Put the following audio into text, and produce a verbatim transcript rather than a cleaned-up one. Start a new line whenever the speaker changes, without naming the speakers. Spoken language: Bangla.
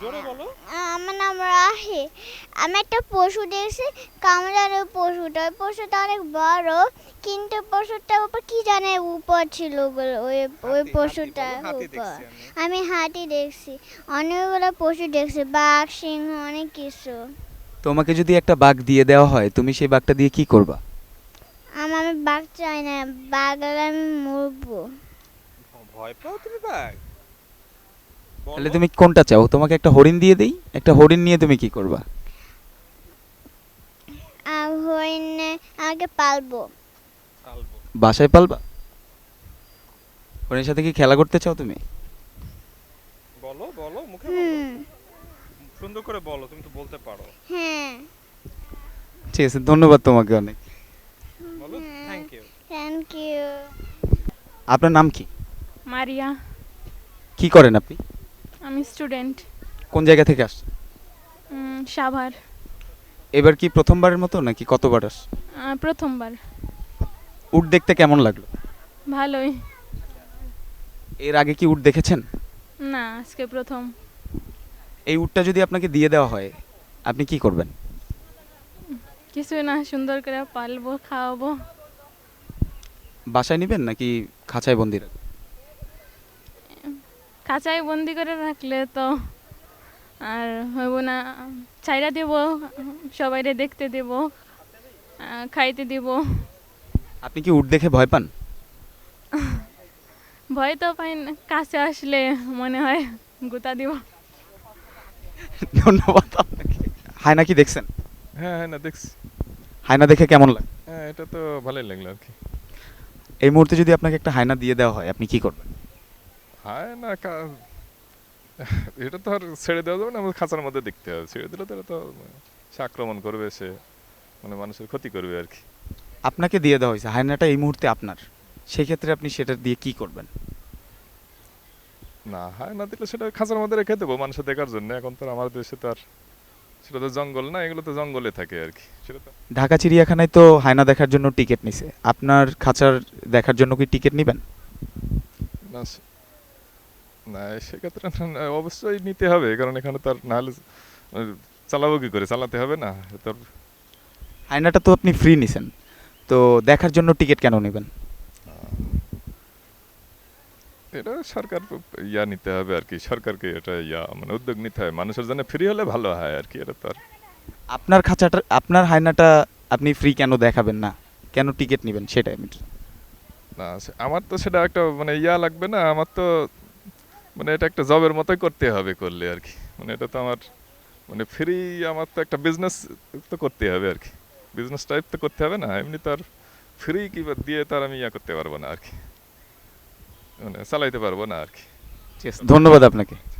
জোরে বলো।
আমার নাম রাহি। আমি একটা পশু দেখছি, কামড়ানো পশুটা। ওই পশুটা অনেক বড়, কিন্তু পশুটার উপর কি জানে উপর ছিল ওগুলো, ওই ওই
হাতি, হাতি
পশুটার
বলো, হাতি
উপর।
দেখছি আমি।
আমি হাতি দেখছি, অনেকগুলো পশু দেখছি, বাঘ, সিংহ, অনেক কিছু।
তোমাকে যদি একটা বাঘ দিয়ে দেওয়া হয় তুমি সেই বাঘটা দিয়ে কি করবা?
আমার আমি বাঘ চাই না, বাঘ হলে আমি মরবো।
ভয় পাও তুমি বাঘ?
তাহলে
বলো।
তুমি কোনটা চাও? তোমাকে একটা হরিণ দিয়ে দেই, একটা হরিণ নিয়ে তুমি কি করবা?
আর হরিণে আমাকে পালবো।
পালবো।
বাসায় পালবা? হরিণের সাথে কি খেলা করতে চাও তুমি?
বলো বলো, মুখে বলো।
হুম।
সুন্দর করে বলো, তুমি তো বলতে পারো।
হ্যাঁ।
ঠিক আছে, ধন্যবাদ তোমাকে অনেক।
বলো থ্যাংক ইউ।
Thank you.
আপনার নাম কি?
মারিয়া।
কি করেন আপনি?
আমি স্টুডেন্ট।
কোন জায়গা থেকে আসছেন?
সাভার।
এবার কি প্রথমবারের মতো নাকি কতবার আস?
আহ, প্রথমবার।
উট দেখতে কেমন লাগলো?
ভালোই।
এর আগে কি উট দেখেছেন?
না, আজকে প্রথম।
এই উটটা যদি আপনাকে দিয়ে দেওয়া হয় আপনি কি করবেন?
কিছুই না, সুন্দর করে পালবো, খাওয়াবো।
বাসায় নেবেন নাকি খাঁচায় বন্দি রাখবেন?
খাঁচায় বন্দি করে রাখলে তো আর হইব না, ছাইরা দেব, সবাইরে দেখতে দেব, আহ, খাইতে দেব।
আপনি কি উট দেখে ভয় পান?
ভয় তো পাই না, কাছে আসলে মনে হয় গুতা দিব।
ধন্যবাদ আপনাকে। হায়না কি দেখছেন?
হ্যাঁ হ্যাঁ না দেখছি।
হায়না দেখে কেমন লাগে?
হ্যাঁ এটা তো ভালোই লাগলো আর কি।
এই মুহূর্তে যদি আপনাকে একটা হায়না দিয়ে দেওয়া হয় আপনি কি করবেন?
হ্যাঁ না কা- এটা তো আর ছেড়ে দেওয়া যাবে না, আমাদের খাঁচার মধ্যে দেখতে হবে। ছেড়ে দিলে তো এটা তো সে আক্রমণ করবে, সে মানে মানুষের ক্ষতি করবে আর কি।
আপনাকে দিয়ে দেওয়া হয়েছে, হায়নাটা এই মুহূর্তে আপনার, সেক্ষেত্রে আপনি সেটা দিয়ে কি করবেন?
না হয় না দিলে সেটা খাঁচার মধ্যে রেখে দেবো মানুষের দেখার জন্য। এখন তো আর আমাদের দেশে তো আর সেটা তো জঙ্গল না, এগুলো তো জঙ্গলে থাকে আর কি। সেটা তো
ঢাকা চিড়িয়াখানায় তো হায়না দেখার জন্য টিকিট নিছে, আপনার খাঁচার দেখার জন্য কি টিকিট নেবেন?
না সে- না সেক্ষেত্রে না, অবশ্যই নিতে হবে, কারণ এখানে তো আর না হলে আহ, চালাবো কি করে, চালাতে হবে না তোর।
হায়নাটা তো আপনি ফ্রি নিছেন, তো দেখার জন্য টিকিট কেন নেবেন?
এটা সরকার ইয়া নিতে হবে আর কি, সরকারকে এটা ইয়া মানে উদ্যোগ নিতে হয়, মানুষের জন্য ফ্রি হলে ভালো হয় আর কি। এটা তো আর
আপনার খাঁচাটা, আপনার হায়নাটা আপনি ফ্রি কেন দেখাবেন না, কেন টিকিট নেবেন সেটাই আমি।
না সে- আমার তো সেটা একটা মানে ইয়া লাগবে না, আমার তো মানে এটা একটা জবের মতোই করতে হবে করলে আর কি। মানে এটা তো আমার মানে ফ্রি, আমার তো একটা বিজনেস তো করতে হবে আর কি। বিজনেস টাইপ তো করতে হবে না, এমনি তো আর ফ্রি কি বা দিয়ে তার আমি ইয়া করতে পারবো না আর কি, মানে চালাইতে পারবো না আর কি।
ঠিক আছে, ধন্যবাদ আপনাকে।